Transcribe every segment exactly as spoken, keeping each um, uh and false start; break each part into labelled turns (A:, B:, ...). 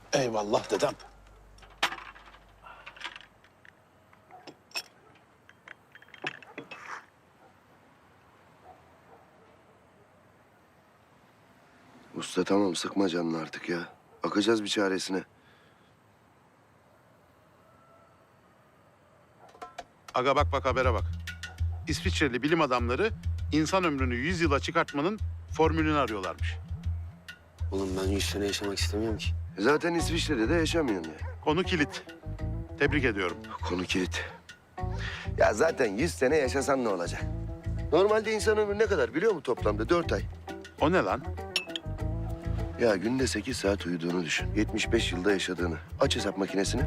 A: Eyvallah dedem.
B: Usta tamam sıkma canını artık ya. Bakacağız bir çaresine.
A: Aga bak bak habere bak. İsviçreli bilim adamları insan ömrünü yüz yıla çıkartmanın formülünü arıyorlarmış.
C: Oğlum ben yüz sene yaşamak istemiyorum ki.
B: E zaten İsviçre'de de yaşamıyorsun ya.
A: Konu kilit. Tebrik ediyorum.
B: Konu kilit. Ya zaten yüz sene yaşasan ne olacak? Normalde insan ömrü ne kadar biliyor musun toplamda? Dört ay.
A: O ne lan?
B: Ya günde sekiz saat uyuduğunu düşün. yetmiş beş yılda yaşadığını. Aç hesap makinesini.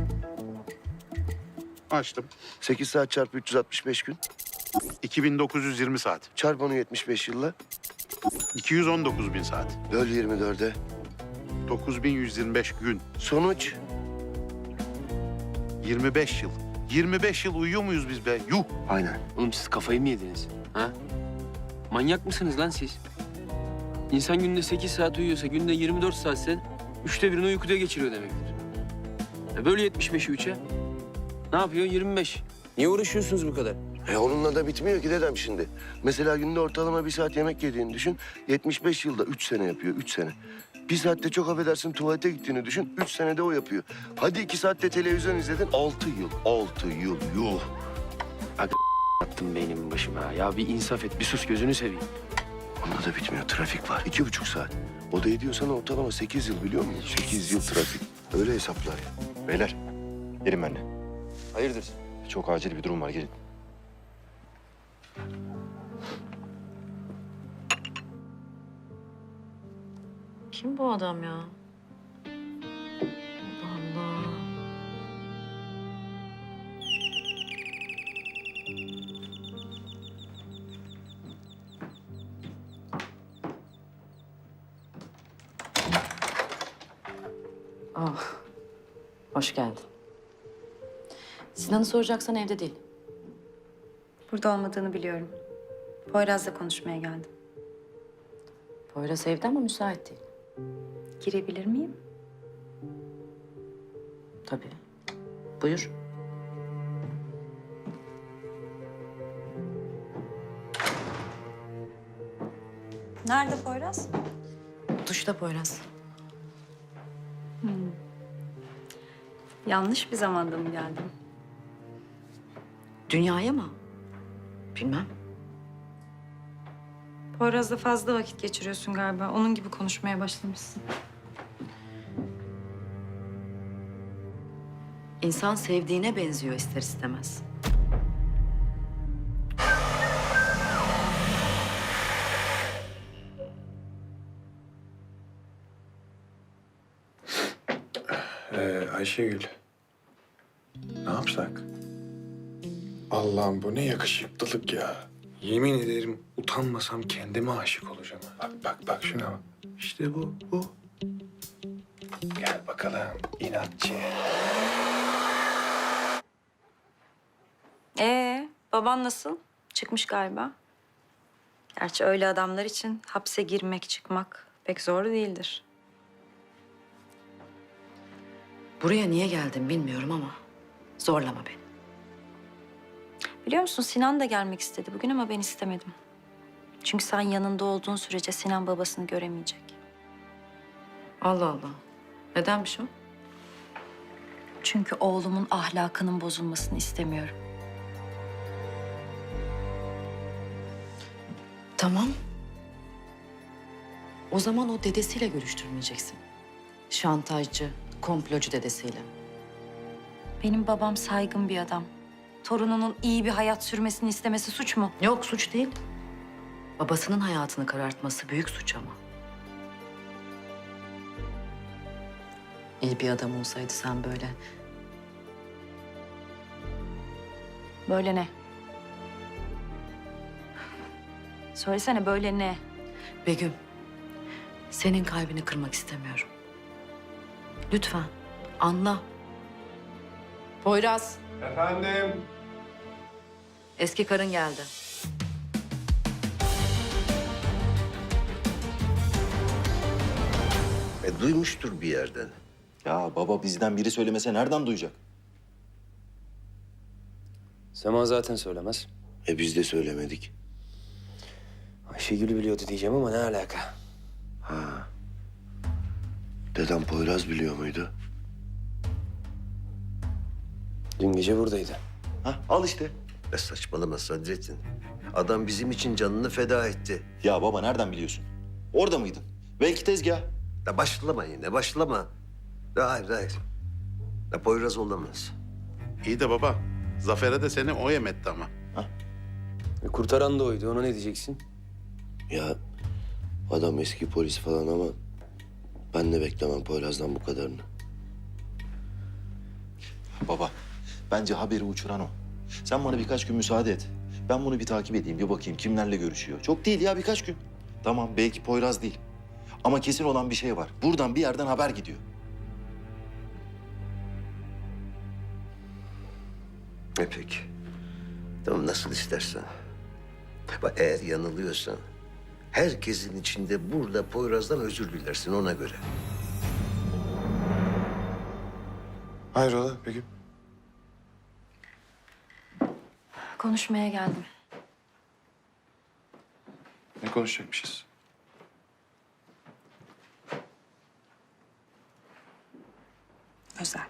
A: Açtım.
B: sekiz saat çarpı üç yüz altmış beş gün.
A: iki bin dokuz yüz yirmi saat.
B: Çarp onu yetmiş beş yılla.
A: iki yüz on dokuz bin saat.
B: Böl yirmi dörde.
A: dokuz bin yüz yirmi beş gün.
B: Sonuç.
A: yirmi beş yıl. yirmi beş yıl uyuyor muyuz biz be? Yuh!
B: Aynen.
C: Oğlum siz kafayı mı yediniz? Ha? Manyak mısınız lan siz? İnsan günde sekiz saat uyuyorsa, günde yirmi dört saatse üçte birini uykuda geçiriyor demektir. E böyle yetmiş beşi üçe. Ne yapıyor? yirmi beş. Niye uğraşıyorsunuz bu kadar?
B: E onunla da bitmiyor ki dedem şimdi. Mesela günde ortalama bir saat yemek yediğini düşün. yetmiş beş yılda üç sene yapıyor, üç sene. Bir saatte çok affedersin tuvalete gittiğini düşün. Üç senede o yapıyor. Hadi iki saatte televizyon izledin. Altı yıl, altı yıl, yuh.
C: Attım beynimin başıma. Ya bir insaf et, bir sus gözünü seveyim.
B: Onda da bitmiyor. Trafik var. İki buçuk saat. O da ediyor sana ortalama sekiz yıl biliyor musun? Sekiz yıl trafik. Öyle hesaplar ya.
D: Beyler, gelin benimle.
C: Hayırdır?
D: Çok acil bir durum var, gelin.
E: Kim bu adam ya? Allah Allah. Ah, hoş geldin. Sinan'ı soracaksan evde değil.
F: Burada olmadığını biliyorum. Poyraz'la konuşmaya geldim.
E: Poyraz evde ama müsait değil.
F: Girebilir miyim?
E: Tabii. Buyur.
F: Nerede Poyraz?
E: Duşta Poyraz.
F: Yanlış bir zamanda mı geldim?
E: Dünyaya mı? Bilmem.
F: Poyraz'la fazla vakit geçiriyorsun galiba. Onun gibi konuşmaya başlamışsın.
E: İnsan sevdiğine benziyor ister istemez.
G: Ee, Ayşegül. Ne yapsak? Allah'ım bu ne yakışıklılık ya. Yemin ederim utanmasam kendime aşık olacağım. Bak bak bak şuna bak. İşte bu, bu. Gel bakalım inatçı.
F: Ee, baban nasıl? Çıkmış galiba. Gerçi öyle adamlar için hapse girmek, çıkmak pek zor değildir.
E: Buraya niye geldim bilmiyorum ama zorlama beni.
F: Biliyor musun Sinan da gelmek istedi bugün ama ben istemedim. Çünkü sen yanında olduğun sürece Sinan babasını göremeyecek.
E: Allah Allah. Nedenmiş o?
F: Çünkü oğlumun ahlakının bozulmasını istemiyorum.
E: Tamam. O zaman o dedesiyle görüştürmeyeceksin. Şantajcı, komplocu dedesiyle.
F: Benim babam saygın bir adam. Torununun iyi bir hayat sürmesini istemesi suç mu?
E: Yok suç değil. Babasının hayatını karartması büyük suç ama. İyi bir adam olsaydı sen böyle
F: Böyle ne? Söylesene böyle ne?
E: Begüm, senin kalbini kırmak istemiyorum. Lütfen anla. Poyraz,
G: Efendim?
E: eski karın geldi.
B: E duymuştur bir yerden.
D: Ya baba bizden biri söylemese nereden duyacak?
C: Sema zaten söylemez.
B: E biz de söylemedik.
C: Ayşegül biliyordu diyeceğim ama ne alaka?
B: Ha. Dedem Poyraz biliyor muydu?
C: Dün gece buradaydı.
B: Ha, al işte. Ya saçmalama Sadrettin. Adam bizim için canını feda etti.
D: Ya baba nereden biliyorsun? Orada mıydın? Belki tezgah.
B: Ya başlama yine, başlama. Ya hayır, hayır. Ya Poyraz olamaz.
A: İyi de baba, Zafer'e de seni o yemetti ama.
C: E, kurtaran da oydu. Ona ne diyeceksin?
B: Ya adam eski polis falan ama ben de beklemem Poyraz'dan bu kadarını.
D: Baba bence haberi uçuran o. Sen bana birkaç gün müsaade et. Ben bunu bir takip edeyim, bir bakayım kimlerle görüşüyor. Çok değil ya, birkaç gün. Tamam, belki Poyraz değil. Ama kesin olan bir şey var. Buradan bir yerden haber gidiyor.
B: E peki. Tamam, nasıl istersen. Bak eğer yanılıyorsan herkesin içinde burada Poyraz'dan özür dilersin ona göre.
G: Hayrola peki?
F: Konuşmaya geldim.
G: Ne konuşacakmışız?
F: Özel.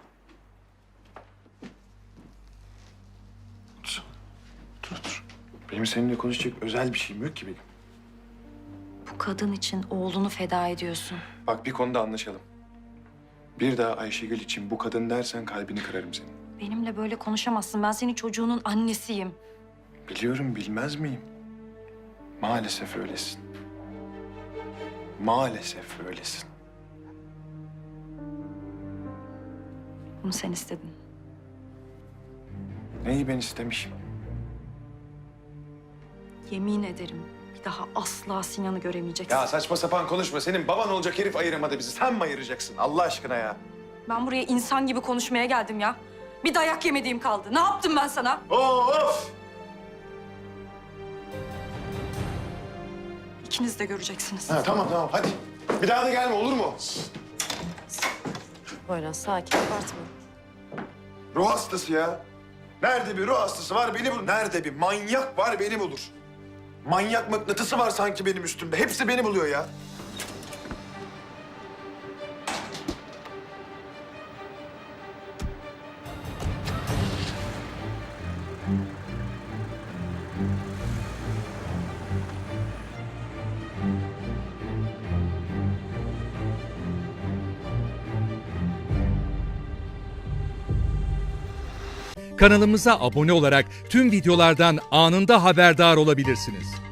G: Dur, dur, dur. Benim seninle konuşacak özel bir şeyim yok ki benim.
F: Bu kadın için oğlunu feda ediyorsun.
G: Bak bir konuda anlaşalım. Bir daha Ayşegül için bu kadın dersen kalbini kırarım senin.
F: Benimle böyle konuşamazsın. Ben senin çocuğunun annesiyim.
G: Biliyorum, bilmez miyim? Maalesef öylesin. Maalesef öylesin.
F: Bunu sen istedin.
G: Neyi ben istemişim?
F: Yemin ederim bir daha asla Sinan'ı göremeyeceksin.
G: Ya saçma sapan konuşma. Senin baban olacak herif ayıramadı bizi. Sen mi ayıracaksın Allah aşkına ya?
F: Ben buraya insan gibi konuşmaya geldim ya. Bir dayak yemediğim kaldı. Ne yaptım ben sana?
G: Of!
F: İkiniz de göreceksiniz.
G: Ha, tamam tamam hadi. Bir daha da gelme olur mu?
E: Poyraz sakin, abartma.
G: Ruh hastası ya. Nerede bir ruh hastası var beni bulur. Nerede bir manyak var beni bulur. Manyak mıknatısı var sanki benim üstümde. Hepsi beni buluyor ya.
H: Kanalımıza abone olarak tüm videolardan anında haberdar olabilirsiniz.